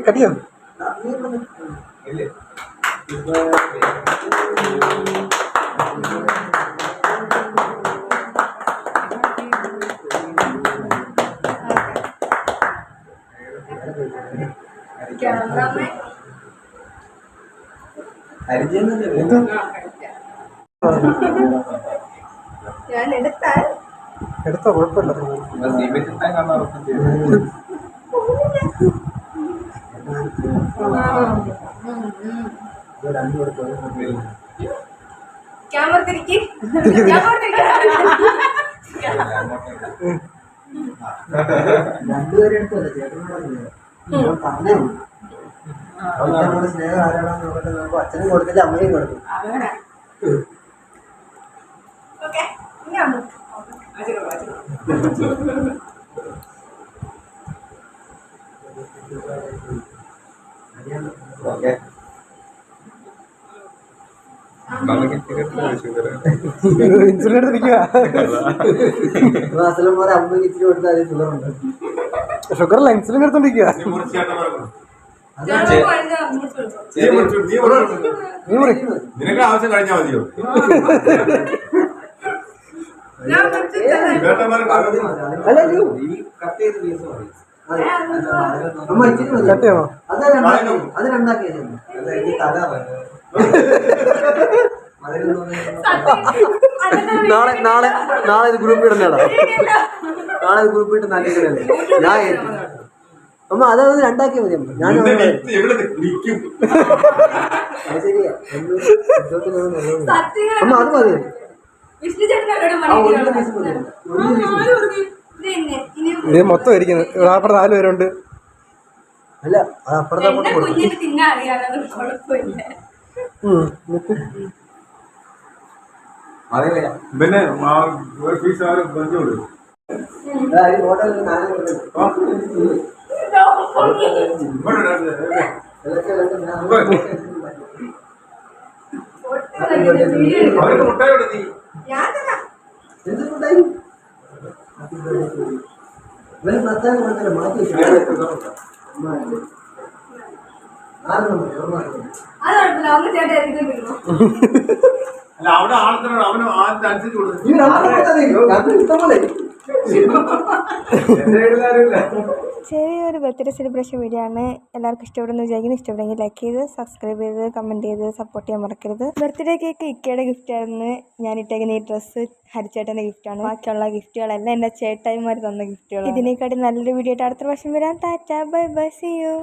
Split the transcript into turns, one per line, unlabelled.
കടിയോ?
ഞാൻ എടുത്തോ, കുഴപ്പമില്ല. ക്യാമറ തിരിക്ക്.
രണ്ടുപേരും എടുത്തല്ലേ ചേട്ടനോട് പറഞ്ഞേ. സ്നേഹം ആരാണെന്ന് നോക്കട്ടെ. നമുക്ക് അച്ഛനും കൊടുത്തില്ല, അമ്മയും കൊടുത്തു.
ഇൻസുലിൻ എടുത്തിരിക്കുക.
മാസം പോലെ അമ്മയ്ക്ക് ഇച്ചിരി കൊടുത്താൽ ഷുഗറുണ്ട്.
ഷുഗറല്ല, ഇൻസുലിൻ എടുത്തോണ്ടിരിക്കുക.
നിനക്ക് ആവശ്യം കഴിഞ്ഞാൽ മതിയോ?
അത് രണ്ടാക്കിയത് നാളെ നാളെ നാളെ ഇത് ഗ്രൂപ്പ് ഇടുന്നതാ. നാളെ ഇത് ഗ്രൂപ്പ് ഇട്ട് നല്ലതല്ലേ ഞാൻ ഏറ്റു. അമ്മ അതാണ് രണ്ടാക്കിയാൽ മതി. അമ്മ ഞാൻ ശരിയാ. അമ്മ അത് മതി.
ഇത് മൊത്തം ഇരിക്കുന്നത്. അപ്പുറത്ത് 4 പേരുണ്ട്.
അല്ല അപ്പുറത്തെ
പിന്നെ ഫീസ് ആരും ബന്ധു കൊടുക്കും. അവർക്ക് മുട്ടായി കൊടുത്തി. അല്ല അവിടെ ആൾക്കാരോട് അവന് അനുസരിച്ച് കൊടുത്തു.
ചെറിയൊരു ബർത്ത്ഡേ സെലിബ്രേഷൻ വീഡിയോ ആണ്. എല്ലാവർക്കും ഇഷ്ടപ്പെടുന്നു വിചാരിക്കുന്നു. ഇഷ്ടപ്പെടുമെങ്കിൽ ലൈക്ക് ചെയ്ത് സബ്സ്ക്രൈബ് ചെയ്ത് കമൻറ്റ് ചെയ്ത് സപ്പോർട്ട് ചെയ്യാൻ മറക്കരുത്. ബർത്ത്ഡേ കേക്ക് ഇക്കയുടെ ഗിഫ്റ്റ് ആയിരുന്നു. ഞാൻ ഇട്ടേക്കുന്ന ഈ ഡ്രസ്സ് ഹരിച്ചേട്ടൻ്റെ ഗിഫ്റ്റാണ്. ബാക്കിയുള്ള ഗിഫ്റ്റുകളെല്ലാം എൻ്റെ ചേട്ടായിമാർ തന്ന ഗിഫ്റ്റുകൾ. ഇതിനേക്കാട്ടി നല്ലൊരു വീഡിയോ ആയിട്ട് അടുത്ത വർഷം വരാം. Tata bye bye, see U.